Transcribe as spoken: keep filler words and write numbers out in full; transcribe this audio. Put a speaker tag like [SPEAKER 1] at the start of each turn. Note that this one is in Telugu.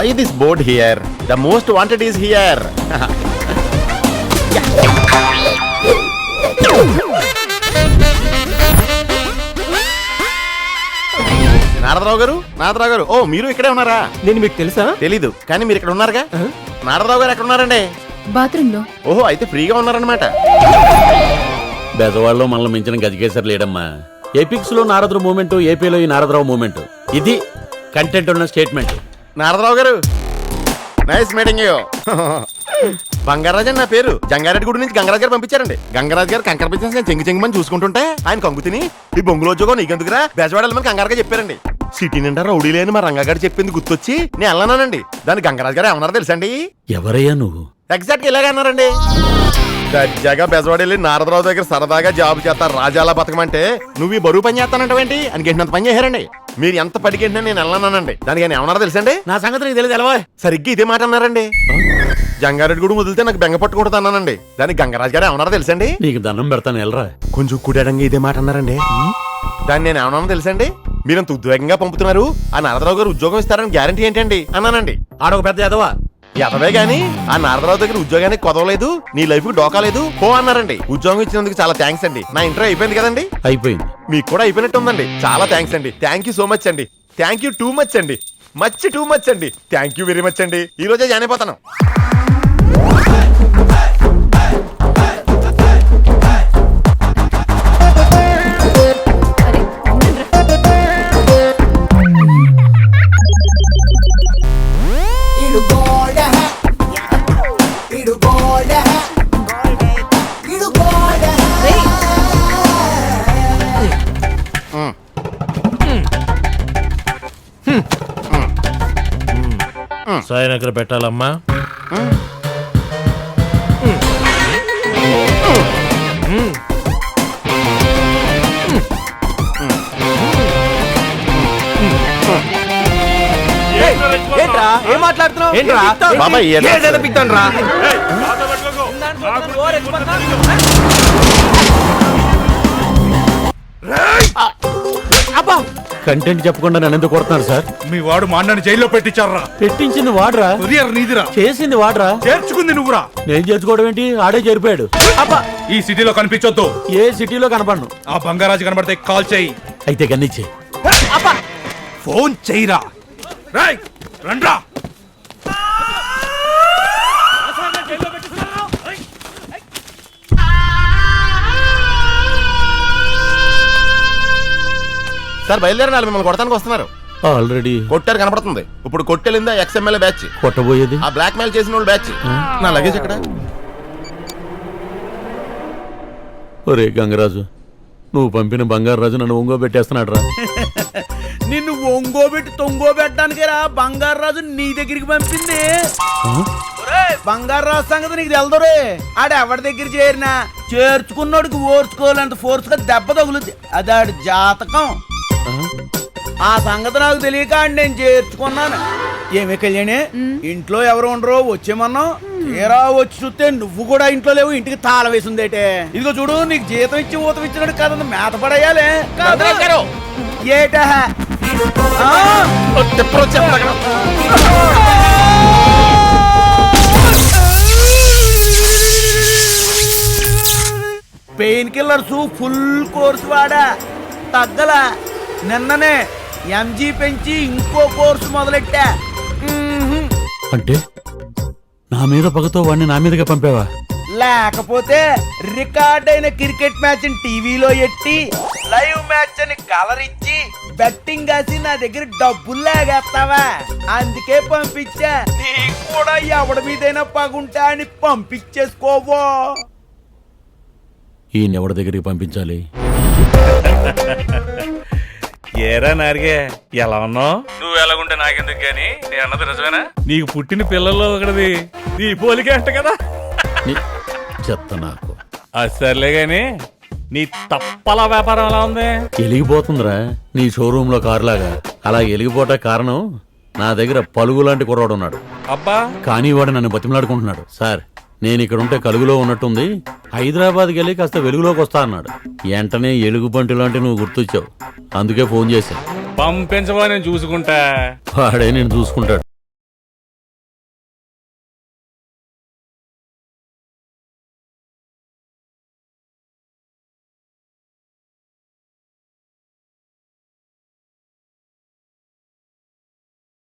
[SPEAKER 1] Why this board here? The most wanted is here. Narada Rao గారు, నారదరావు గారు, ఓ మీరు ఇక్కడే ఉన్నారా?
[SPEAKER 2] నేను మీకు తెలుసా?
[SPEAKER 1] తెలీదు, కానీ మీరు ఇక్కడ ఉన్నారుగా. నారదరావు గారు ఎక్కడ ఉన్నారండి?
[SPEAKER 3] బాత్రూమ్ లో.
[SPEAKER 1] ఓహో, అయితే ఫ్రీగా ఉన్నారనమాట.
[SPEAKER 4] బెజవాడలో మనల్ని మించిన గజకేసరి లేడమ్మా. ఎపిక్స్ లో నారదరావు మూమెంట్, ఏపీలో ఈ నారదరావు మూమెంట్. ఇది కంటెంట్ ఉన్న స్టేట్మెంట్.
[SPEAKER 1] నారదరావు గారు, నైస్ మీటింగ్ యూ. బంగారాజు అని నా పేరు. జంగారెడ్డి గుడి నుంచి గంగరాజు గారు పంపించారండి. గంగరాజు గారు కంకర బిజినెస్ నేను చెంగి చెంగిమని చూసుకుంటుంటే ఆయన కంగు తిని ఈ బొంగులో ఉద్యోగం నీకెందుకురా బెజవాడ వెళ్ళమని కంగారుగా చెప్పారండి. సిటీ నిండా రౌడీ లేని మా రంగగారు చెప్పింది గుర్తొచ్చి నేను వెళ్ళానండి. దాని గంగరాజు గారు ఏమన్నారో తెలుసండి?
[SPEAKER 4] ఎవరయ్యా నువ్వు?
[SPEAKER 1] ఎగ్జాక్ట్ ఇలాగే అన్నారండి. దర్జాగా బెజవాడ వెళ్ళి నారదరావు దగ్గర సరదాగా జాబ్ చేస్తారు, రాజాలా బతకమంటే నువ్వు ఈ బరువు పని చేస్తానంటేంటి అని గెంటినంత పని చేశారండి. మీరు ఎంత పడికెంటినా నేను వెళ్ళానండి. దానికి ఆయన ఏమన్నారో తెలుసండి?
[SPEAKER 4] నా సంగతి నీకు తెలియదు ఎలా?
[SPEAKER 1] సరిగ్గా ఇదే మాట అన్నారండి. జంగారెడ్డి కూడా వదిలితే నాకు బెంగ పట్టుకుంటా అన్నానండి. దానికి గంగరాజు గారు ఏమన్నారో తెలుసండి?
[SPEAKER 4] నీకు దండం పెడతాను వెళ్ళరా.
[SPEAKER 1] కొంచెం కుడాడంగా ఇదే మాట అన్నారండి. దాన్ని నేను ఏమన్నా తెలుసండి? మీరంత ఉద్వేగంగా పంపుతున్నారు, ఆ నారదరావు గారు ఉద్యోగం ఇస్తారని గ్యారంటీ ఏంటండి అన్నానండి.
[SPEAKER 4] ఆడొక పెద్ద ఎదవా
[SPEAKER 1] ఎదవే గాని ఆ నారదరావు దగ్గర ఉద్యోగానికి కొదవలేదు, నీ లైఫ్ కి డోకాలేదు పో అన్నారండి. ఉద్యోగం ఇచ్చినందుకు చాలా థ్యాంక్స్ అండి. నా ఇంటర్వ్యూ అయిపోయింది కదండి?
[SPEAKER 4] అయిపోయింది.
[SPEAKER 1] మీకు కూడా అయిపోయినట్టు ఉందండి. చాలా థ్యాంక్స్ అండి. థ్యాంక్ యూ సో మచ్ అండి. థ్యాంక్ యూ టూ మచ్ అండి. మచ్ టూ మచ్ అండి. థ్యాంక్ యూ వెరీ మచ్ అండి. ఈ రోజే జాయిన్ అయిపోతాను.
[SPEAKER 5] సాయం ఎక్కడ పెట్టాలమ్మా?
[SPEAKER 2] ఏంట్రా ఏం మాట్లాడుతున్నావు?
[SPEAKER 1] బాబాయ్
[SPEAKER 4] కంటెంట్ చెప్పకుండా నన్ను ఎందుకు కొడుతున్నారు సార్?
[SPEAKER 6] మీ వాడు మా అన్నని జైల్లో పెట్టించారా?
[SPEAKER 4] పెట్టించింది వాడరా,
[SPEAKER 6] నీదిరా,
[SPEAKER 4] చేసింది వాడరా,
[SPEAKER 6] చేర్చుకుంది నువ్వురా.
[SPEAKER 4] నేను చేర్చుకోవడం ఏంటి? ఆడే చేరిపోయాడు.
[SPEAKER 6] ఈ సిటీలో కనిపించొద్దు.
[SPEAKER 4] ఏ సిటీలో కనపడను.
[SPEAKER 6] ఆ బంగారాజు కనబడితే కాల్ చేయి.
[SPEAKER 4] అయితే కన్నిచ్చే
[SPEAKER 6] ఫోన్ చెయ్యిరా. రేయ్ రండ్రా.
[SPEAKER 1] సార్ బయలుదేరినారు, మిమ్మల్ని కొడతానికి వస్తున్నారు.
[SPEAKER 4] ఆల్రెడీ
[SPEAKER 1] కొట్టారు కనపడుతుంది. ఇప్పుడు కొట్టెలిందా ఎక్స్ఎంఎల్ఏ బ్యాచ్,
[SPEAKER 4] కొట్టబోయేది
[SPEAKER 1] ఆ బ్లాక్ మెయిల్ చేసిన వాళ్ళు బ్యాచ్. నా లగేజ్ ఎక్కడ?
[SPEAKER 4] ఒరే గంగరాజు, నువ్వు పంపిన బంగారు రాజు నన్ను ఒంగో పెట్టేస్తున్నాడు రా.
[SPEAKER 2] నిన్ను ఒంగోబెట్టి తొంగోబెట్టడానికి రా బంగారు రాజు నీ దగ్గరికి పంపింది. బంగారు రాజు సంగతి నీకు తెలదరే. ఆడ ఎవరి దగ్గర చేరినా చేర్చుకున్నోడికి ఓర్చుకోవాలంత ఫోర్స్ గా దెబ్బ తగులుద్ది. అది ఆడి జాతకం. ఆ సంగతి నాకు తెలియక నేను చేర్చుకున్నాను. ఏమి కళ్యాణి, ఇంట్లో ఎవరు ఉండరో వచ్చేమన్నావు, తీరా వచ్చి చూస్తే నువ్వు కూడా ఇంట్లో లేవు, ఇంటికి తాళ వేసిందేటే. ఇదిగో చూడు, నీకు జీతం ఇచ్చి ఊతం ఇచ్చినట్టు కదా మేత పడేయాలి. ఏటా పెయిన్ కిల్లర్స్ ఫుల్ కోర్స్ వాడా, తగ్గల. నిన్ననే ఎంజీ పెంచి ఇంకో కోర్సు మొదలెట్టా.
[SPEAKER 4] అంటే నా మీద పగతో వాడిని నా మీదగా పంపావా?
[SPEAKER 2] లేకపోతే రికార్డ్ అయిన క్రికెట్ మ్యాచ్ టీవీలో ఎట్టి లైవ్ మ్యాచ్ అని కలర్ ఇచ్చి బెట్టింగ్ కాసి నా దగ్గర డబ్బులు లాగేస్తావా? అందుకే పంపించా. నీకు కూడా ఎవడి మీదైనా పగుంటా అని పంపించేసుకోవో.
[SPEAKER 4] ఈయన ఎవరి దగ్గరికి పంపించాలి?
[SPEAKER 6] ఏరా నారిగే, ఎలా ఉన్నావు? నువ్వు ఎలాగుంటే నాకెందుకు గాని, నేను అన్నది నిజమేనా? నీకు పుట్టిన పిల్లల్లో ఒకటిది నీ పోలికే అంట కదా.
[SPEAKER 4] చెత్త నాకు.
[SPEAKER 6] సర్లే గాని నీ తప్పల వ్యాపారం ఎలా ఉంది?
[SPEAKER 4] ఎలిగిపోతుందిరా నీ షోరూమ్ లో కారులాగా. అలా ఎలిగిపోట కారణం నా దగ్గర పలుగు లాంటి కుర్రాడు ఉన్నాడు.
[SPEAKER 6] అబ్బా,
[SPEAKER 4] కానీ వాడు నన్ను బతిమలాడుకుంటున్నాడు. సార్, నేను ఇక్కడ ఉంటే కలుగులో ఉన్నట్టుంది, హైదరాబాద్కి వెళ్ళి కాస్త వెలుగులోకి వస్తా అన్నాడు. వెంటనే ఎలుగు బంటి లాంటి నువ్వు గుర్తొచ్చావు, అందుకే ఫోన్ చేశా.
[SPEAKER 6] పంపించవా, నేను చూసుకుంటా.
[SPEAKER 4] వాడే నేను చూసుకుంటాడు.